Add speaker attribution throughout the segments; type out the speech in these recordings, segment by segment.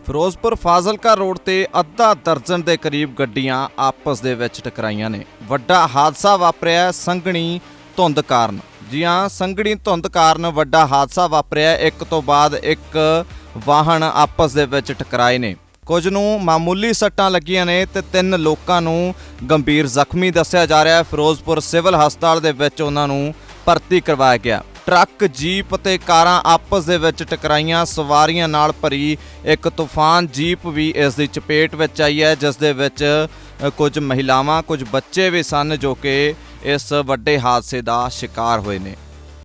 Speaker 1: Firozpur Fazilka road ਤੇ ਅੱਧਾ ਦਰਜਨ ਦੇ ਕਰੀਬ ਗੱਡੀਆਂ ਆਪਸ ਦੇ ਵਿੱਚ ਟਕਰਾਈਆਂ ਨੇ। ਵੱਡਾ ਹਾਦਸਾ ਵਾਪਰਿਆ ਸੰਘਣੀ ਧੁੰਦ ਕਾਰਨ। ਜੀ ਹਾਂ, ਸੰਘਣੀ ਧੁੰਦ ਕਾਰਨ ਵੱਡਾ ਹਾਦਸਾ ਵਾਪਰਿਆ। ਇੱਕ ਤੋਂ ਬਾਅਦ ਇੱਕ ਵਾਹਨ ਆਪਸ ਦੇ ਵਿੱਚ ਟਕਰਾਏ ਨੇ। ਕੁਝ ਨੂੰ ਮਾਮੂਲੀ ਸੱਟਾਂ ਲੱਗੀਆਂ ਨੇ ਤੇ 3 ਲੋਕਾਂ ਨੂੰ ਗੰਭੀਰ ਜ਼ਖਮੀ ਦੱਸਿਆ ਜਾ ਰਿਹਾ ਹੈ। ਫਿਰੋਜ਼ਪੁਰ ਸਿਵਲ ਹਸਪਤਾਲ ਦੇ ਵਿੱਚ ਉਹਨਾਂ ਨੂੰ ਭਰਤੀ ਕਰਵਾਇਆ ਗਿਆ। ਟਰੱਕ, ਜੀਪ ਤੇ ਕਾਰਾਂ ਆਪਸ ਦੇ ਵਿੱਚ ਟਕਰਾਈਆਂ। ਸਵਾਰੀਆਂ ਨਾਲ ਭਰੀ ਇੱਕ ਤੂਫਾਨ ਜੀਪ ਵੀ ਇਸ ਦੀ ਚਪੇਟ ਵਿੱਚ ਆਈ ਹੈ, ਜਿਸ ਦੇ ਵਿੱਚ ਕੁਝ ਮਹਿਲਾਵਾਂ, ਕੁਝ ਬੱਚੇ ਵੀ ਸਨ ਜੋ ਕਿ ਇਸ ਵੱਡੇ ਹਾਦਸੇ ਦਾ ਸ਼ਿਕਾਰ ਹੋਏ ਨੇ।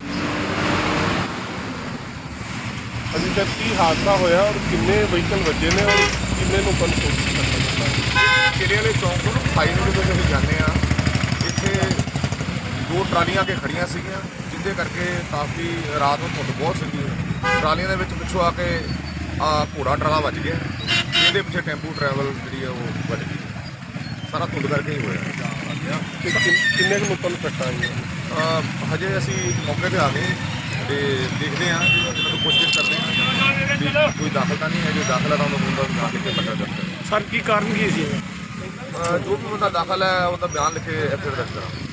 Speaker 2: अभी तक की हादसा होया और किन्ने व्हीकल वजे ने और किन्ने लोगों को
Speaker 3: ਕਿਲੇ ਵਾਲੇ ਚੌਂਕ ਤੋਂ ਖਾਈ ਰੋਡ ਤੋਂ ਅਸੀਂ ਜਾਂਦੇ ਆ। ਇੱਥੇ 2 ਟਰਾਲੀਆਂ ਕੇ ਖੜੀਆਂ ਸੀਗੀਆਂ, ਜਿੱਦੇ ਕਰਕੇ ਕਾਫੀ ਰਾਤ ਨੂੰ ਧੁੰਦ ਬਹੁਤ ਸੀਗੀ। ਟਰਾਲੀਆਂ ਦੇ ਵਿੱਚ ਪਿੱਛੋਂ ਆ ਕੇ ਘੋੜਾ ਟਰਾਲਾ ਵੱਜ ਗਿਆ, ਇਹਦੇ ਪਿੱਛੇ ਟੈਂਪੂ ਟਰੈਵਲ ਜਿਹੜੀ ਆ ਉਹ ਵੱਜ ਗਈ। ਸਾਰਾ ਧੁੰਦ ਕਰਕੇ ਹੀ ਹੋਇਆ।
Speaker 2: किन्ने लोगों को सट्टा आई
Speaker 3: ਹਜੇ ਅਸੀਂ ਮੌਕੇ ਤੇ ਆ ਗਏ ਤੇ ਦੇਖਦੇ ਹਾਂ, ਇਹਨਾਂ ਨੂੰ ਕੋਸ਼ਿਸ਼ ਕਰਦੇ ਹਾਂ ਵੀ ਕੋਈ ਦਾਖਲ ਤਾਂ ਨਹੀਂ ਹੈ। ਜੇ ਦਾਖਲ ਹੈ ਤਾਂ ਉਹਨੂੰ ਬੰਦਾ ਬਿਆਨ ਲਿਖ ਕੇ ਪੱਟਾ ਜਾਂਦਾ।
Speaker 2: सर की कारण की सी
Speaker 3: ਜੋ ਵੀ ਬੰਦਾ ਦਾਖਲ ਹੈ ਉਹਦਾ ਬਿਆਨ ਲਿਖ ਕੇ ਐਫਆਈਆਰ ਦਰਜ ਕਰਾਂਗੇ।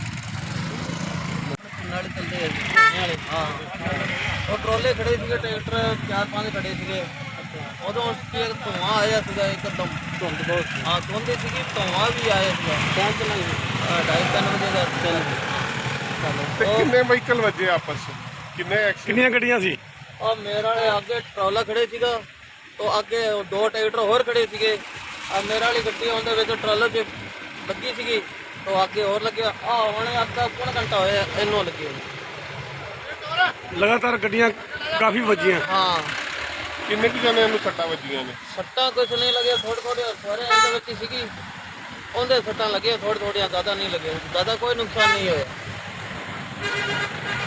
Speaker 4: ਨਾਲੇ ਚੱਲਦੇ ਨਾਲੇ ਹਾਂ ਉਹ ਟਰੋਲੇ ਖੜੇ ਸੀਗੇ, ਟਰੈਕਟਰ 4-5 ਖੜੇ ਸੀਗੇ। ਉਦੋਂ ਕੀ ਧੂੰਆਂ ਆਇਆ ਸੀਗਾ ਇੱਕਦਮ, ਧੁੰਦ ਬਹੁਤ ਹਾਂ ਧੁੰਦ ਸੀਗੀ, ਧੂੰਆਂ ਵੀ ਆਇਆ ਸੀਗਾ। ਟਾਈਮ ਤੇ ਨਹੀਂ 2:30-3 ਵਜੇ ਦਾ
Speaker 2: किन्ने व्हीकल वजे आपस किन्ने किन्नियां गड्डियां सी
Speaker 4: और मेरे वाले आगे ट्रॉला खड़े ਸੀਗਾ तो ਅੱਗੇ 2 ਟਰੈਕਟਰ ਹੋਰ ਖੜੇ ਸੀਗੇ। ਆ ਮੇਰੇ ਵਾਲੀ ਗੱਡੀ ਉਹਦੇ ਵਿੱਚ ਟਰਾਲਾ 'ਚ ਲੱਗੀ ਸੀਗੀ तो ਅੱਗੇ ਹੋਰ ਲੱਗਿਆ। ਹੁਣ ਅੱਧਾ ਪੌਣਾ ਘੰਟਾ ਹੋਇਆ ਇਹਨੂੰ ਲੱਗੀ ਹੋਈ।
Speaker 2: लगातार गड्डियां काफी वजियां।
Speaker 4: ਹਾਂ
Speaker 2: किन्ने की जने ਨੂੰ ਸੱਟਾਂ ਵੱਜੀਆਂ ਨੇ?
Speaker 4: ਸੱਟਾਂ ਕੁਛ ਨਹੀਂ ਲੱਗਿਆ, ਥੋੜ੍ਹੇ ਸਾਰੇ ਇਹਦੇ ਵਿੱਚ ਹੀ ਸੀਗੀ। ਉਹਦੇ ਸੱਟਾਂ ਲੱਗੀਆਂ ਥੋੜ੍ਹੀਆਂ, ਜ਼ਿਆਦਾ ਨਹੀਂ ਲੱਗੀਆਂ। ਜ਼ਿਆਦਾ ਕੋਈ ਨੁਕਸਾਨ ਨਹੀਂ ਹੋਇਆ।